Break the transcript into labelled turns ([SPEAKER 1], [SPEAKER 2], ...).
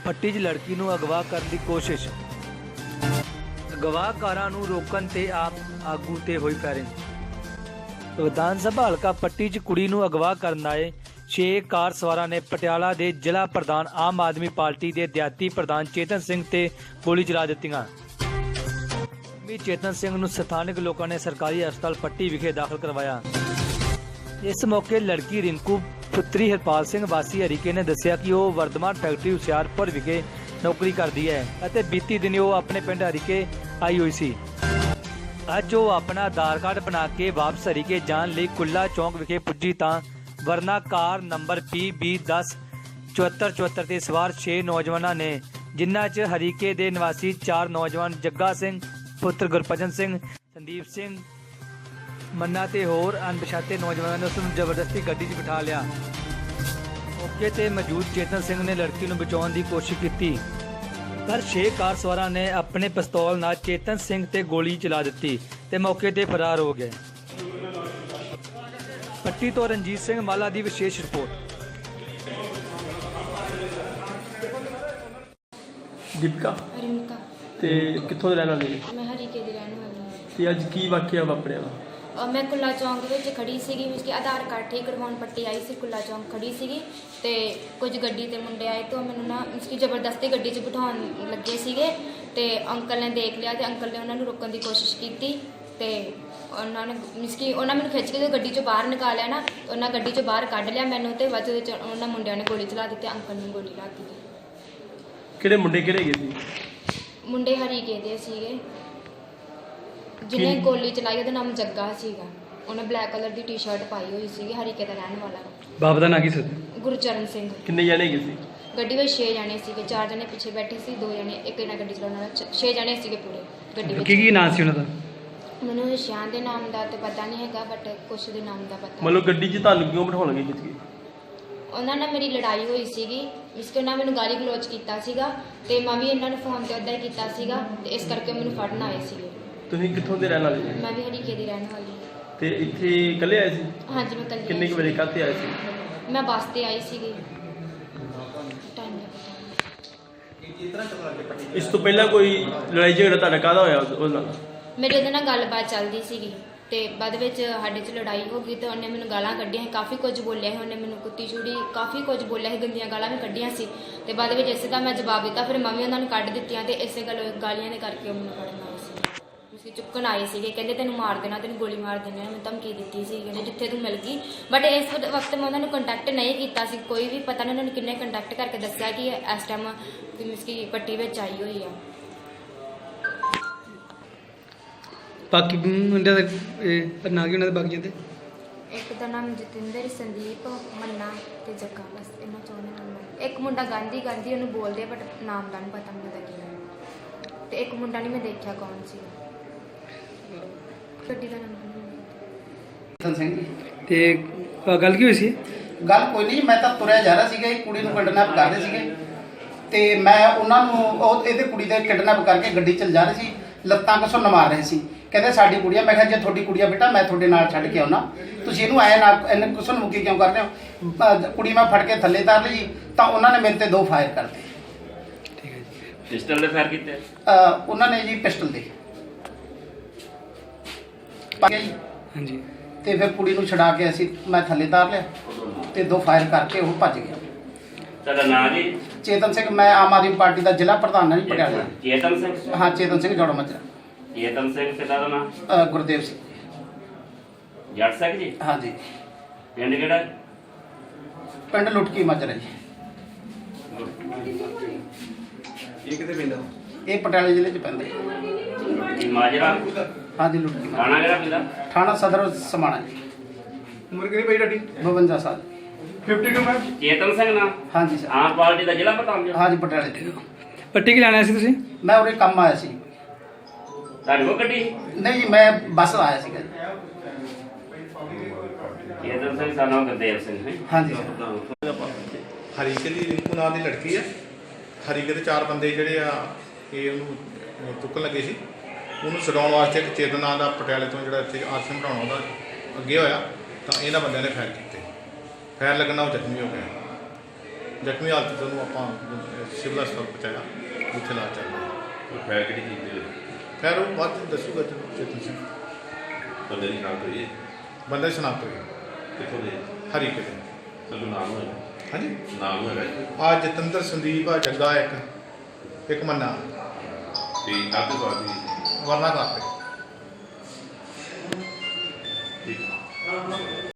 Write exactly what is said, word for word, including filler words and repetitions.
[SPEAKER 1] ਫੱਟੀ 'ਚ ਲੜਕੀ ਨੂੰ ਅਗਵਾ ਕਰਨ ਦੀ ਕੋਸ਼ਿਸ਼। ਅਗਵਾਕਾਰਾਂ ਨੂੰ ਰੋਕਣ ਤੇ ਆਪ ਆਗੂ ਤੇ ਹੋਈ ਫਾਇਰਿੰਗ। ਵਿਧਾਨ ਸਭਾ ਹਲਕਾ ਪੱਟੀ 'ਚ ਕੁੜੀ ਨੂੰ ਅਗਵਾ ਕਰਨ ਆਏ ਛੇ ਕਾਰ ਸਵਾਰਾਂ ਨੇ ਪਟਿਆਲਾ ਦੇ ਜ਼ਿਲ੍ਹਾ ਪ੍ਰਧਾਨ ਆਮ ਆਦਮੀ ਪਾਰਟੀ ਦੇ ਦਿਹਾਤੀ ਪ੍ਰਧਾਨ ਚੇਤਨ ਸਿੰਘ ਤੇ ਗੋਲੀ ਚਲਾ ਦਿੱਤੀਆਂ। ਚੇਤਨ ਸਿੰਘ ਨੂੰ ਸਥਾਨਕ ਲੋਕਾਂ ਨੇ ਸਰਕਾਰੀ ਹਸਪਤਾਲ ਪੱਟੀ ਵਿਖੇ ਦਾਖਲ ਕਰਵਾਇਆ। ਇਸ ਮੌਕੇ ਲੜਕੀ ਰਿੰਕੂ ਪੁੱਤਰੀ ਹਰਪਾਲ ਸਿੰਘ ਵਾਸੀ ਹਰੀਕੇ ਨੇ ਦੱਸਿਆ ਕਿ ਉਹ ਵਰਧਮਾਨ ਫੈਕਟਰੀ ਹੁਸ਼ਿਆਰਪੁਰ ਵਿਖੇ ਨੌਕਰੀ ਕਰਦੀ ਹੈ ਅਤੇ ਬੀਤੀ ਦਿਨ ਉਹ ਆਪਣੇ ਪਿੰਡ ਹਰੀਕੇ ਆਈ ਹੋਈ ਸੀ। ਅੱਜ ਉਹ ਆਪਣਾ ਆਧਾਰ ਕਾਰਡ ਬਣਾ ਕੇ ਵਾਪਸ ਹਰੀਕੇ ਜਾਣ ਲਈ ਕੁੱਲਾ ਚੌਂਕ ਵਿਖੇ ਪੁੱਜੀ ਤਾਂ ਵਰਨਾ ਕਾਰ ਨੰਬਰ ਪੀ ਬੀ ਦਸ ਚੁਹੱਤਰ ਚੁਹੱਤਰ ਤੇ ਸਵਾਰ ਛੇ ਨੌਜਵਾਨਾਂ ਨੇ, ਜਿਨ੍ਹਾਂ 'ਚ ਹਰੀਕੇ ਦੇ ਨਿਵਾਸੀ ਚਾਰ ਨੌਜਵਾਨ ਜੱਗਾ ਸਿੰਘ ਪੁੱਤਰ ਗੁਰਪਜਨ ਸਿੰਘ, ਸੰਦੀਪ ਸਿੰਘ ਮੰਨਾ ਤੇ ਹੋਰ ਅਣਪਛਾਤੇ ਨੌਜਵਾਨਾਂ ਨੇ ਉਸ ਨੂੰ ਜ਼ਬਰਦਸਤੀ ਗੱਡੀ 'ਚ ਬਿਠਾ ਲਿਆ। ਮੌਕੇ ਤੇ ਮੌਜੂਦ ਚੇਤਨ ਸਿੰਘ ਨੇ ਲੜਕੀ ਨੂੰ ਬਚਾਉਣ ਦੀ ਕੋਸ਼ਿਸ਼ ਕੀਤੀ, ਪਰ ਛੇ ਕਾਰ ਸਵਾਰਾਂ ਨੇ ਆਪਣੇ ਪਿਸਤੌਲ ਨਾਲ ਚੇਤਨ ਸਿੰਘ ਤੇ ਗੋਲੀ ਚਲਾ ਦਿੱਤੀ ਤੇ ਮੌਕੇ ਤੇ ਫਰਾਰ ਹੋ ਗਏ। ਪੱਟੀ ਤੋਂ ਰਣਜੀਤ ਸਿੰਘ ਮਾਲਾ ਦੀ ਵਿਸ਼ੇਸ਼ ਰਿਪੋਰਟ।
[SPEAKER 2] ਦੀਪਿਕਾ
[SPEAKER 3] ਰਿੰਕਾ
[SPEAKER 2] ਤੇ ਕਿੱਥੋਂ ਦੇ ਰਹਿਣ ਵਾਲੇ?
[SPEAKER 3] ਮੈਂ ਹਰੀਕੇ ਦੀ ਰਹਿਣ ਵਾਲੀ ਹਾਂ।
[SPEAKER 2] ਤੇ ਅੱਜ ਕੀ ਵਾਕਿਆ ਵਾਪਰਿਆ ਵਾ?
[SPEAKER 3] ਅਹ ਮੈਂ ਕੁੱਲਾ ਚੌਂਕ ਵਿੱਚ ਖੜੀ ਸੀਗੀ, ਮੀਨਸ ਕਿ ਆਧਾਰ ਕਾਰਡ ਠੀਕ ਕਰਵਾਉਣ ਪੱਟੀ ਆਈ ਸੀ। ਕੁੱਲਾ ਚੌਂਕ ਖੜੀ ਸੀਗੀ ਤੇ ਕੁਝ ਗੱਡੀ ਤੇ ਮੁੰਡੇ ਆਏ ਤੋਂ ਮੈਨੂੰ ਨਾ ਮੀਨਸ ਕਿ ਜ਼ਬਰਦਸਤੀ ਗੱਡੀ 'ਚ ਬਿਠਾਉਣ ਲੱਗੇ ਸੀਗੇ ਤੇ ਅੰਕਲ ਨੇ ਦੇਖ ਲਿਆ ਤੇ ਅੰਕਲ ਨੇ ਉਹਨਾਂ ਨੂੰ ਰੋਕਣ ਦੀ ਕੋਸ਼ਿਸ਼ ਕੀਤੀ ਤੇ ਉਹਨਾਂ ਨੇ ਮੀਨਸ ਕਿ ਉਹਨਾਂ ਮੈਨੂੰ ਖਿੱਚ ਕੇ ਗੱਡੀ 'ਚੋਂ ਬਾਹਰ ਨਿਕਾਲਿਆ ਨਾ, ਉਹਨਾਂ ਗੱਡੀ 'ਚੋਂ ਬਾਹਰ ਕੱਢ ਲਿਆ ਮੈਨੂੰ ਤੇ ਬਾਅਦ ਵਿੱਚ ਉਹਨਾਂ ਮੁੰਡਿਆਂ ਨੇ ਗੋਲੀ ਚਲਾ ਦਿੱਤੀ, ਅੰਕਲ ਨੂੰ ਗੋਲੀ ਲੱਗ ਗਈ।
[SPEAKER 2] ਕਿਹੜੇ ਮੁੰਡੇ ਕਿਹੜੇ ਗਏ ਸੀ?
[SPEAKER 3] ਮੁੰਡੇ ਹਰੀਕੇ ਦੇ ਸੀਗੇ, ਜਿਹਨੇ ਗੋਲੀ ਚਲਾਈ ਉਹਦਾ ਨਾਮ ਜੱਗਾ ਸੀਗਾ। ਉਹਨੇ ਬਲੈਕ ਕਲਰ ਦੀ ਟੀ-ਸ਼ਰਟ ਪਾਈ ਹੋਈ ਸੀਗੀ, ਹਰੀਕੇ ਦਾ ਰਹਿਣ ਵਾਲਾ।
[SPEAKER 2] ਬਾਪ ਦਾ ਨਾਂ ਕੀ ਸੀ?
[SPEAKER 3] ਗੁਰਚਰਨ ਸਿੰਘ।
[SPEAKER 2] ਕਿੰਨੇ ਜਣੇ ਗਏ ਸੀ?
[SPEAKER 3] ਗੱਡੀ ਵਿੱਚ ਛੇ ਜਣੇ ਸੀਗੇ, ਚਾਰ ਜਣੇ ਪਿੱਛੇ ਬੈਠੇ ਸੀ, ਦੋ ਜਣੇ ਇੱਕ ਇਹਨਾਂ ਗੱਡੀ ਚਲਾਉਣ ਵਾਲਾ, ਛੇ ਜਣੇ ਸੀਗੇ ਪੂਰੇ ਗੱਡੀ ਵਿੱਚ।
[SPEAKER 2] ਕੀ ਕੀ ਨਾਂ ਸੀ ਉਹਨਾਂ ਦਾ?
[SPEAKER 3] ਮੈਨੂੰ ਸ਼ਾਨ ਦੇ ਨਾਮ ਦਾ ਤੇ ਪਤਾ ਨਹੀਂ ਹੈਗਾ, ਬਟ ਕੁਛ ਦੇ ਨਾਮ ਦਾ ਪਤਾ।
[SPEAKER 2] ਮਤਲਬ ਗੱਡੀ 'ਚ ਤੁਹਾਨੂੰ ਕਿਉਂ ਬਿਠਾਉਣ ਲੱਗੇ ਖਿੱਚ ਕੇ?
[SPEAKER 3] ਉਹਨਾਂ ਨਾਲ ਮੇਰੀ ਲੜਾਈ ਹੋਈ ਸੀਗੀ, ਇਸ ਤੋਂ ਉਹਨਾਂ ਮੈਨੂੰ ਗਾਲੀ ਗਲੋਚ ਕੀਤਾ ਸੀਗਾ ਤੇ ਮੈਂ ਵੀ ਇਹਨਾਂ ਨੂੰ ਫੋਨ ਤੇ ਉੱਦਾਂ ਹੀ ਕੀਤਾ ਸੀਗਾ ਤੇ ਇਸ ਕਰਕੇ ਮੈਨੂੰ ਫੜਨ ਆਏ ਸੀਗੇ।
[SPEAKER 2] ਤੁਸੀਂ ਕਿੱਥੋਂ ਦੇ ਰਹਿਣ ਵਾਲੇ?
[SPEAKER 3] ਮੈਂ ਵੀ ਹਰੀਕੇ ਦੀ ਰਹਿਣ ਵਾਲੀ।
[SPEAKER 2] ਤੇ ਇੱਥੇ ਇਕੱਲੇ ਆਏ ਸੀ?
[SPEAKER 3] ਹਾਂਜੀ ਮੈਂ ਕੱਲੀ।
[SPEAKER 2] ਕਿੰਨੇ ਕੁ ਵਜੇ ਕਾਹਤੇ ਆਏ ਸੀ?
[SPEAKER 3] ਮੈਂ ਬੱਸ ਤੇ ਆਈ ਸੀਗੀ। ਟਾਈਮ ਦਾ ਪਤਾ
[SPEAKER 2] ਇਸ ਤੋਂ ਪਹਿਲਾਂ ਕੋਈ ਲੜਾਈ ਝਗੜਾ ਤੁਹਾਡਾ ਕਾਹਦਾ ਹੋਇਆ ਉਹਦੇ ਨਾਲ?
[SPEAKER 3] ਮੇਰੇ ਉਹਦੇ ਨਾਲ ਗੱਲਬਾਤ ਚੱਲਦੀ ਸੀਗੀ ਤੇ ਬਾਅਦ ਵਿੱਚ ਸਾਡੇ 'ਚ ਲੜਾਈ ਹੋ ਗਈ ਤੇ ਉਹਨੇ ਮੈਨੂੰ ਗਾਲਾਂ ਕੱਢੀਆਂ ਸੀ, ਕਾਫੀ ਕੁਝ ਬੋਲਿਆ ਸੀ ਉਹਨੇ ਮੈਨੂੰ, ਕੁੱਤੀ ਚੂੜੀ ਕਾਫੀ ਕੁਝ ਬੋਲਿਆ ਸੀ, ਗੰਦੀਆਂ ਗਾਲਾਂ ਵੀ ਕੱਢੀਆਂ ਸੀ ਤੇ ਬਾਅਦ ਵਿੱਚ ਇਸੇ ਦਾ ਮੈਂ ਜਵਾਬ ਦਿੱਤਾ। ਫਿਰ ਮੰਮੀ ਉਹਨਾਂ ਨੂੰ ਕੱਢ ਦਿੱਤੀਆਂ ਤੇ ਇਸੇ ਗੱਲ ਗਾਲੀਆਂ ਦੇ ਕਰਕੇ ਉਹ ਮੈਨੂੰ ਫੜਨ ਆਏ ਸੀ। ਤੁਸੀਂ ਚੁੱਕਣ ਆਏ ਸੀਗੇ, ਕਹਿੰਦੇ ਤੈਨੂੰ ਮਾਰ ਦੇਣਾ, ਤੈਨੂੰ ਗੋਲੀ ਮਾਰ ਦੇਣੀ, ਮੈਨੂੰ ਧਮਕੀ ਦਿੱਤੀ ਸੀ, ਕਹਿੰਦੇ ਜਿੱਥੇ ਤੂੰ ਮਿਲ ਗਈ। ਬਟ ਇਸ ਵਕਤ ਮੈਂ ਉਹਨਾਂ ਨੂੰ ਕੰਟੈਕਟ ਨਹੀਂ ਕੀਤਾ ਸੀ, ਕੋਈ ਵੀ ਪਤਾ ਨਹੀਂ ਉਹਨਾਂ ਨੂੰ ਕਿੰਨੇ ਕੰਟੈਕਟ ਕਰਕੇ ਦੱਸਿਆ ਕਿ ਇਸ ਟਾਈਮ ਮੀਨਸ ਕਿ ਪੱਟੀ ਵਿੱਚ ਆਈ ਹੋਈ ਆ।
[SPEAKER 4] ਬਾਕੀ ਮੁੰਡਿਆਂ ਦਾ ਨਾਂ ਕੀ ਉਹਨਾਂ ਦੇ ਬਾਕੀਆਂ ਦੇ?
[SPEAKER 3] ਇੱਕ ਦਾ ਨਾਮ ਜਤਿੰਦਰ, ਸੰਦੀਪ, ਮੰਨਾ ਤੇ ਜੱਗਾ, ਬਸ ਇਹਨਾਂ ਚੋਂ ਨਾਮ। ਇੱਕ ਮੁੰਡਾ ਗਾਂਧੀ ਗਾਂਧੀ ਉਹਨੂੰ ਬੋਲਦੇ ਬਟ ਨਾਮ ਦਾ ਨਹੀਂ ਪਤਾ ਮੈਨੂੰ ਦਾ ਕੀ ਨਾਮ, ਤੇ ਇੱਕ ਮੁੰਡਾ ਨਹੀਂ ਮੈਂ ਦੇਖਿਆ ਕੌਣ ਸੀ। ਗੱਡੀ ਦਾ ਨਾਮ
[SPEAKER 5] ਸਿੰਘ।
[SPEAKER 4] ਤੇ ਗੱਲ ਕੀ ਹੋਈ ਸੀ?
[SPEAKER 5] ਗੱਲ ਕੋਈ ਨਹੀਂ, ਮੈਂ ਤਾਂ ਤੁਰਿਆ ਜਾ ਰਿਹਾ ਸੀਗਾ, ਇਹ ਕੁੜੀ ਨੂੰ ਕਿਡਨੈਪ ਕਰ ਰਹੇ ਸੀਗੇ ਤੇ ਮੈਂ ਉਹਨਾਂ ਨੂੰ ਉਹ ਇਹਦੇ ਕੁੜੀ ਦੇ ਕਿਡਨੈਪ ਕਰਕੇ ਗੱਡੀ ਚੱਲ ਜਾ ਰਹੀ ਸੀ, ਲੱਤਾਂ ਘਸੁੰਨ ਮਾਰ ਰਹੇ ਸੀ। ਕਹਿੰਦੇ ਸਾਡੀ ਕੁੜੀਆ। ਮੈਂ ਕਿਹਾ ਜੇ ਤੁਹਾਡੀ ਕੁੜੀਆ ਬੇਟਾ ਮੈਂ ਤੁਹਾਡੇ ਨਾਲ ਛੱਡ ਕੇ ਆਉਣਾ, ਤੁਸੀਂ ਇਹਨੂੰ ਆਇਆ ਨਾ ਇਹਨੇ ਘਸੁੰਨ ਮੁੱਕੀ ਕਿਉਂ ਕਰ ਰਹੇ ਹੋ? ਕੁੜੀ ਮੈਂ ਫੜ ਕੇ ਥੱਲੇ ਤਾਰ ਲਈ ਤਾਂ ਉਹਨਾਂ ਨੇ ਮੇਰੇ ਤੇ ਦੋ ਫਾਇਰ ਕਰਤੇ।
[SPEAKER 4] ਠੀਕ ਹੈ ਜੀ।
[SPEAKER 6] ਪਿਸਟਲ ਦੇ ਫਾਇਰ ਕੀਤੇ?
[SPEAKER 5] ਉਹਨਾਂ ਨੇ ਜੀ ਪਿਸਟਲ ਦੇ ਜੀ।
[SPEAKER 4] ਹਾਂਜੀ।
[SPEAKER 5] ਤੇ ਫਿਰ ਕੁੜੀ ਨੂੰ ਛਡਾ ਕੇ ਅਸੀਂ ਮੈਂ ਥੱਲੇ ਤਾਰ ਲਿਆ ਤੇ ਦੋ ਫਾਇਰ ਕਰਕੇ ਉਹ ਭੱਜ ਗਿਆ।
[SPEAKER 6] ਤੁਹਾਡਾ ਨਾਮ ਜੀ?
[SPEAKER 5] ਚੇਤਨ ਸਿੰਘ। ਮੈਂ ਆਮ ਆਦਮੀ ਪਾਰਟੀ ਦਾ ਜ਼ਿਲ੍ਹਾ ਪ੍ਰਧਾਨ ਹਾਂ ਜੀ ਪਟਿਆਲਾ।
[SPEAKER 6] ਚੇਤਨ ਸਿੰਘ?
[SPEAKER 5] ਹਾਂ ਚੇਤਨ ਸਿੰਘ ਜੋੜਾ ਮੱਜਰਾ।
[SPEAKER 6] ਚੇਤਨ ਸਿੰਘ ਪਿਤਾ ਦਾ ਨਾਮ?
[SPEAKER 5] ਗੁਰਦੇਵ ਸਿੰਘ।
[SPEAKER 6] ਜੱਟ ਸਿੰਘ ਜੀ?
[SPEAKER 5] ਹਾਂਜੀ।
[SPEAKER 6] ਪਿੰਡ ਕਿਹੜਾ?
[SPEAKER 5] ਪਿੰਡ ਲੁਟਕੀ ਮੱਜਰਾ ਜੀ।
[SPEAKER 6] ਇਹ ਕਿੱਥੇ ਪੈਂਦਾ?
[SPEAKER 5] ਇਹ ਪਟਿਆਲੇ ਜ਼ਿਲ੍ਹੇ 'ਚ ਪੈਂਦਾ ਜੀ।
[SPEAKER 6] ਮਾਜਰਾ?
[SPEAKER 5] ਹਾਂਜੀ ਲੁਟਕੀ।
[SPEAKER 6] ਥਾਣਾ ਕਿਹੜਾ ਪੈਂਦਾ?
[SPEAKER 5] ਥਾਣਾ ਸਦਰ ਸਮਾਣਾ ਜੀ।
[SPEAKER 2] ਉਮਰ ਕਿੰਨੀ ਪਈ ਤੁਹਾਡੀ?
[SPEAKER 5] ਬਵੰਜਾ ਸਾਲ।
[SPEAKER 2] ਬਾਵਨ ਮੈਮ।
[SPEAKER 6] ਚੇਤਨ ਸਿੰਘ ਨਾਮ?
[SPEAKER 5] ਹਾਂਜੀ ਸਰ।
[SPEAKER 6] ਆਮ ਪਾਰਟੀ ਦਾ ਜ਼ਿਲ੍ਹਾ ਪ੍ਰਧਾਨ ਜੀ?
[SPEAKER 5] ਹਾਂਜੀ ਪਟਿਆਲੇ ਦੇ।
[SPEAKER 4] ਪੱਟੀ ਕਿ ਲੈਣਾ ਸੀ ਤੁਸੀਂ?
[SPEAKER 5] ਮੈਂ ਉਰੇ ਕੰਮ ਆਇਆ ਸੀ।
[SPEAKER 6] ਤੁਹਾਡੀ ਉਹ ਗੱਡੀ?
[SPEAKER 5] ਨਹੀਂ ਜੀ ਮੈਂ ਬੱਸ ਆਇਆ ਸੀਗਾ ਜੀ।
[SPEAKER 6] ਚੇਤਨ ਸਿੰਘ ਸਾਨੂੰ ਗੁਰਦੇਵ ਸਿੰਘ ਹੈ?
[SPEAKER 5] ਹਾਂਜੀ ਸਰ।
[SPEAKER 7] ਹਰੀਕੇ ਦੀ ਰਿੰਕੂ ਨਾਂ ਦੀ ਲੜਕੀ ਆ। ਹਰੀਕੇ ਦੇ ਚਾਰ ਬੰਦੇ ਜਿਹੜੇ ਆ ਇਹ ਉਹਨੂੰ ਚੁੱਕਣ ਲੱਗੇ ਸੀ, ਉਹਨੂੰ ਛਡਾਉਣ ਵਾਸਤੇ ਇੱਕ ਚੇਤਨ ਨਾਂ ਦਾ ਪਟਿਆਲੇ ਤੋਂ ਜਿਹੜਾ ਇੱਥੇ ਆਸ਼ਰਮ ਬਣਾਉਣਾ ਉਹਦਾ ਅੱਗੇ ਹੋਇਆ ਤਾਂ ਇਹਨਾਂ ਬੰਦਿਆਂ ਨੇ ਫਾਇਰ ਕੀਤੇ। ਫਾਇਰ ਲੱਗਣ ਨਾਲ ਉਹ ਜ਼ਖਮੀ ਹੋ ਗਿਆ। ਜ਼ਖਮੀ ਹਾਲਤ 'ਚ ਉਹਨੂੰ ਆਪਾਂ ਸਿਵਲ ਹਸਪਤਾਲ ਪਹੁੰਚਾਇਆ, ਉੱਥੇ ਇਲਾਜ ਚੱਲ ਰਿਹਾ।
[SPEAKER 8] ਫੈਰ ਕਿਹੜੀ ਚੀਜ਼ ਦੇ
[SPEAKER 7] ਖੈਰ ਉਹ ਬਾਅਦ 'ਚ ਦੱਸੂਗਾ ਜਦੋਂ ਚੇਤਨ ਸਿੰਘ
[SPEAKER 8] ਬੰਦੇ ਦੀ ਸ਼ਨਾਖਤ ਹੋਈ ਹੈ?
[SPEAKER 7] ਬੰਦਾ ਦੀ ਸ਼ਨਾਖਤ ਹੋਈ
[SPEAKER 8] ਕਿੱਥੋਂ ਦੇ?
[SPEAKER 7] ਹਰੀਕੇ ਦੇ।
[SPEAKER 8] ਸਭ ਨਾਮ ਹੋਇਆ?
[SPEAKER 7] ਹਾਂਜੀ,
[SPEAKER 8] ਨਾਮ ਹੋਇਆ ਜੀ?
[SPEAKER 7] ਆ ਜਤਿੰਦਰ ਸੰਦੀਪ ਆ ਜੱਗਾ ਇੱਕ ਇੱਕ ਮੰਨਾ
[SPEAKER 8] ਤੇ ਕਾਹਦੇ ਸਵਾਦੀ?
[SPEAKER 7] ਵਰਨਾ ਕਰਦੇ।
[SPEAKER 8] ਠੀਕ